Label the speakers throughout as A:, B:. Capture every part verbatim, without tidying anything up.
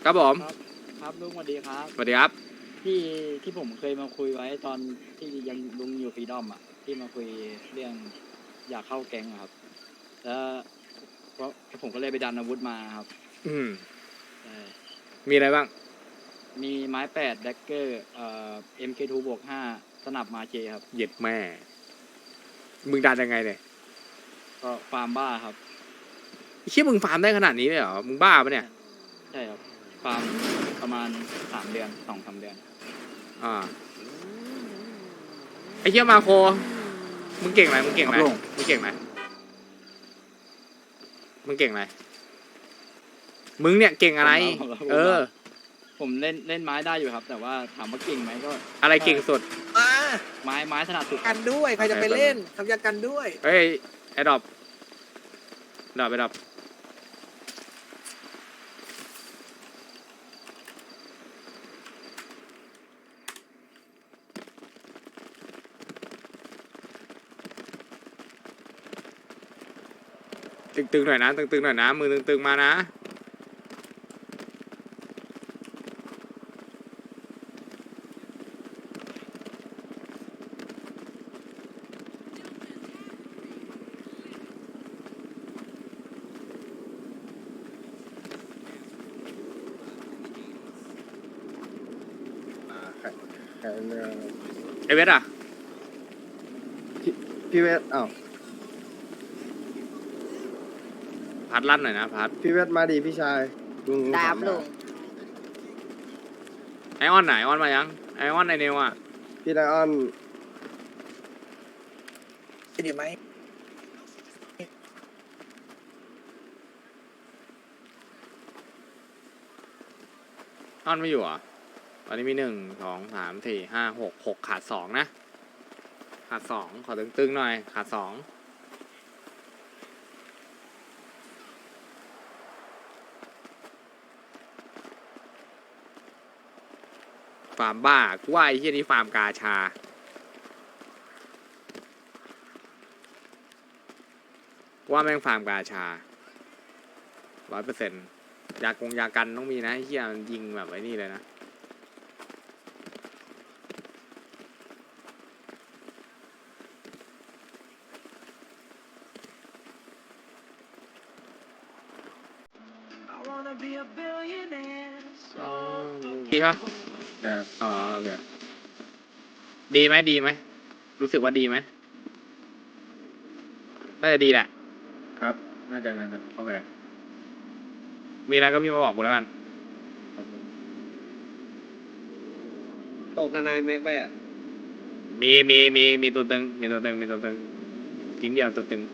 A: ครับผม
B: ครับครับลุงสวัสดีครับ
A: สวัสดีครับ
B: ที่ที่ผมเคยมาคุยไว้ตอนที่ยังลุงอยู่ฟรีดอมอ่ะที่มาคุยเรื่องอยากเข้าแก๊งอะครับแล้วเพราะผมก็เลยไปดันอาวุธมาครับ
A: อืม
B: ใช่
A: มีอะไรบ้าง
B: มีไม้แปดแดกเกอร์เอ่อ เอ็ม เค ทู บวกห้าสนับมาเจครับ
A: เหย็ดแม่ มึงดันยังไงเนี่ย
B: ก็ฟาร์มบ้าครับ
A: ไอ้เชี่ยมึงฟาร์มได้ขนาดนี้เลยเหรอ มึงบ้าปะเนี่ย
B: ใช่ครับฟาร์มประมาณสามเดือนสองสามเดือน
A: อ่า ไอ้เชี่ยมาโค มึงเก่งไหมมึงเก่งไหมมึงเก่งไหมมึงเก่งไหมมึงเนี่ยเก่งอะไร เออ
B: ผมเล่นเล่นไม้ได้อยู่ครับ แต่ว่าถามว่าเก่งไหมก็
A: อะไรเก่งสุด
C: มา
B: ไม้ไม้ถนัดสุด
C: กันด้วยใครจะไปเล่นทำยากันด้วย
A: เฮ้ยไอ้ดอบดอบไอ้ดอบตึงๆหน่อยนะตึงๆหน่อยนะมือตึงๆมานะไอเวทอ่ะ
D: พี่เวทอ้าว
A: พัดลั่นหน่อยนะพัด
D: พี่เวทมาดีพี่ชายลุง
C: ดาบ
D: ถม
C: ลุง
A: ไอออนไหนไอออนมายังไอออนไอเนวอ่ะ
D: พี่ไลออน
C: เดี๋ยวไหม
A: ออนไม่อยู่เหรอ่ะตอนนี้มีหนึ่งสองสามสี่ห้าหกหกขาดสองนะขาดสองขอตึงๆหน่อยขาดสองฟาร์มบ้ากูว่าไอ้เหี้ยนี่ฟาร์มกาชากูว่าแม่งฟาร์มกาชาร้อยเปอร์เซ็นต์ยากงยากันต้องมีนะไอ้เหี้ยมันยิงแบบไอ้นี่เลยนะ ดีปะอ๋อโอเคดีไหมดีไหมรู้สึกว่าดีไหมน่าจะดีแหละครับ น่าจะน่าจะโอเคมีอะไรก็พี่มาบอกกูแล้วกัน
D: ตกนานๆเมกไปอ่ะ
A: มีมีมีมีตัวตึงมีตัวตึงมีตัวตึงทิ้งเดียวตัวตึง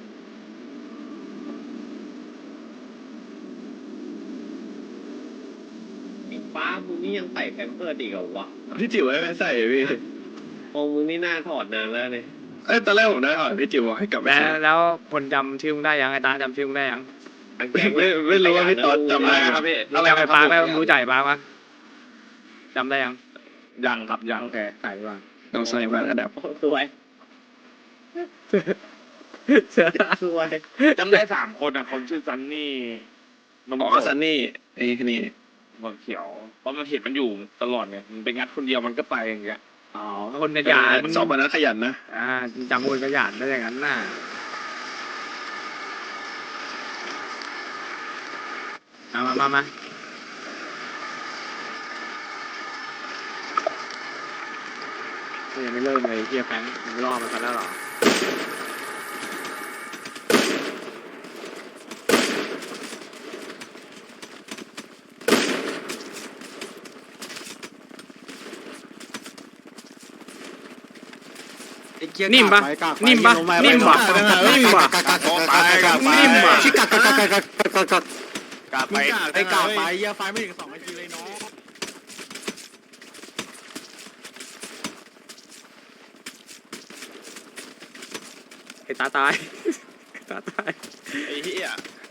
E: ฟ้ามึงนี่ยังใส่แพมเพิร์สอีกเหรอวะ
F: พี่จิ๋วให้ไม่ใส่พี่
E: มองมึงนี่น่าถอดนานแล้วเนี่ย
F: เอ้ยตอนแรกผมได้ถอดพี่จิ๋วบอกให้กลับไป
A: แล้ว
F: ใส่
A: แล้วคนจำชื่อมึงได้ยังไอ้ตาจำชื่อมึงได้ยัง
F: ไม่ไม่ไม่รู้ว่าพี่ตอนจำได้ไหมครับพี่
A: รู้จักไอ้ปาร์คไหมรู้จักไอ้ปาร์คปะจำได้ยัง
F: ยังครับยัง
A: โอเคใส่ดีกว่า
F: ต้องใส่แว่นกระดับ
E: โอ้สวย
A: เสือ
E: สวย
G: จำได้สามคนอ่ะคนชื่อซันนี่นม
F: อ๋อ
G: โก
F: ซันนี่ไอ้คนนี้
G: หัวเขียวเพราะมันเห็นมันอยู่ตลอดไงมันไปงัดคนเดียวมันก็ไปอย่างเงี้ย
A: อ๋อคนขยัน
F: สอบมานั้นขยันนะ
A: อ่าจำคนขยันได้อย่างนั้นน่ะเอามามามายังไม่เริ่มเลยเฮียแฟงมึงรอมันกันแล้วเหรอนิ่มปะนิ่มปะนิ่มปะนิ่มปะนิ่มปะ
D: ชิกักกักกักกักกักกักกัก
G: กลับไป
D: ไอ้กาไปเยี่ยไฟไม่ถึงสองนาทีเลยเนาะ
A: ไอ้ตาตายไอ้ตาตาย
F: ไอ้เหี้ย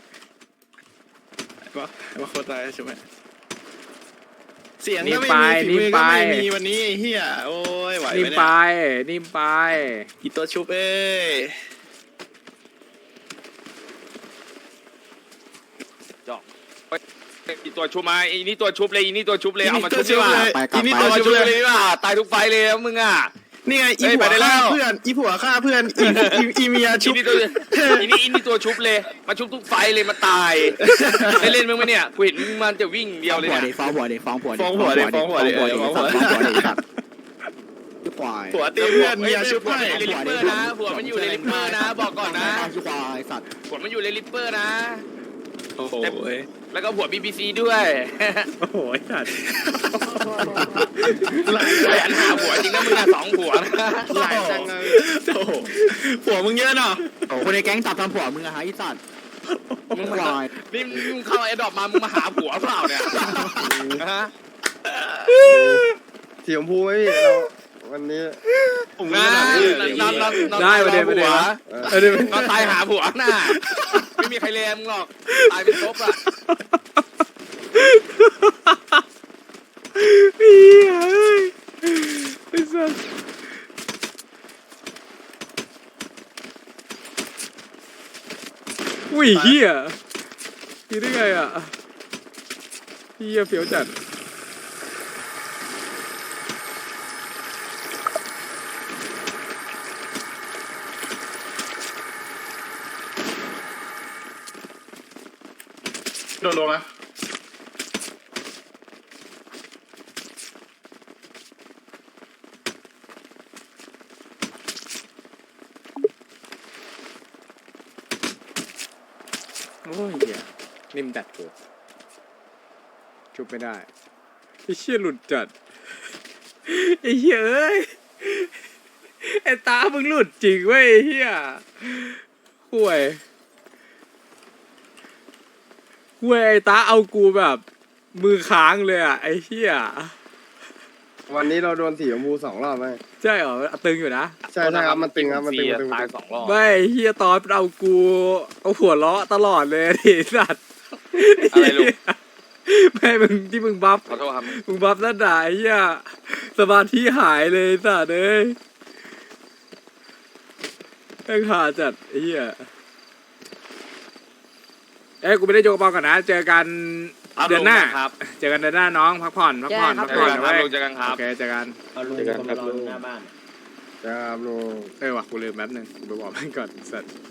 F: ว่าว่าโคตรตายใช่ไหมเสียงก็ไม่มีฝีมือก็ไม่มีวันนี้ไอ้เหี้ยโอ้ยไหว
A: นิ่
F: ไหม
A: ม
F: เนี่
A: ไป
F: ย
A: นิ่มไป
F: อีตัวชุบเอ้ย
G: จอกอีตัวชุบมาอีนี่ตัวชุบเลยอีนี่ตัวชุบเลยเอามาชุบดีกว่า
F: อีนี่
G: เอา
F: ตัว
G: มา
F: ชุ
G: ชุ
F: บบ เล
G: เลย ยดีกว่าตายทุกไฟเลยมึงอ่ะ
F: นี่ไงอี
G: เฮ้ย
F: ผัว
G: ไปได้แล้
F: ฆ่าว เพื่อนอีผัวฆ่าเพื่อนอีอีอีเมีย
G: อี
F: ชุบ
G: นี่ตัวอีนี่อีนี่ตัวชุบเลยมาชุบทุกไฟเลยมาตายได้เล่นมึงไหมเนี่ยกูเห็นมึงมันจะวิ่งเดียวเลยเนี่ย
B: ฟ้องผัวเด็ฟ้องผัว
F: ฟ้องผัวดิฟ้องผัวดิฟ้องผัวดิฟ้องผัวดิ
B: ควาย
F: ผัวตีเพื่อนเมียชุบ
G: ผัว
F: ให้
G: มันอยู่ในลิปเปอร์นะผัวมันอยู่ในลิปเปอร์นะบอกก่อนนะ
B: ควายสัตว์
G: ผัวมันอยู่ในลิปเปอร์นะ
F: โอ้โห
G: แล้วก็ผัวบีบีซีด้วย
A: โอ้โหสัตว์
G: ขยันหาผัวจริงนะมึงอะสองผัวนะ
F: หลายจังเลยโอ้โหผัวมึงเยอะเนาะ
B: โอ้คนในแก๊งจับทำผัวมึงอะฮะไอ้สัตว์
G: มึงมานี่มึงเข้าไอ้ดอกมามึงมาหาผัวเปล่าเนี่ยฮะ
D: สีชมพูไหมพี่เราวันนี้
G: ผมนะนอนนอนนอน
A: ได้ประเด็นประเด็น
G: หัว
A: เออเดี๋ยวน
G: อนตายหาผัวน่ะไม่มีใครเลมมึงหรอกตายเป็นซบอ่ะ
A: เฮียเอ้ยไอ้สัสอุ้ยเฮียคิดได้ไงอ่ะเฮียเฟี้ยวจัด
F: โดนลงนะ
A: โอ้ยเฮียนิ่มจัดกูชุบไม่ได้ไอ้เชี่ยหลุดจัดไอ้เหี้ยเอ้ยไอ้ตามึงหลุดจริงเว้ยไอ้เหี้ยห่วยห่วยไอ้ตาเอากูแบบมือค้างเลยอ่ะไอ้เหี้ย
D: วันนี้เราโดนสีชมพูสองรอบไหม
A: ใช่เหรอตึงอยู่นะ
D: ใช่ใช่ครับมันตึงครับมันตึงมันตึง
G: ตายสองรอบ
A: ไม่ไอ้เหี้ยตอนเอากูเอาหัวเราะตลอดเลยดิสัตว์
G: อะไรลูก
A: ไม่มึงที่มึงบัฟ
G: ขอโทษครับ
A: มึงบัฟนั่นด่าไอ้เหี้ยสมาธิหายเลยสัตว์เอ้ยแม่งหาจัดไอ้เหี้ยเอ้ยกูไม่ได้โยกกระเป๋าก่อนนะ เจอกันเดือนหน้า
G: ครับ
A: เจอกันเดือนหน้าน้องพักผ่อนพักผ่อนพัก
G: เจ
A: ผ่
G: อ
A: อน
G: กัน
A: นะ
G: ครับ
A: เว้ย
G: ลุงเจอกันครั
A: โอบ เคเจอกัน
C: เจอกันครับลุงหน้าบ้าน
D: ครับลุง
A: เออว่ะกูลืมแป๊บนึงกูไปบอกมันก่อนสัตว์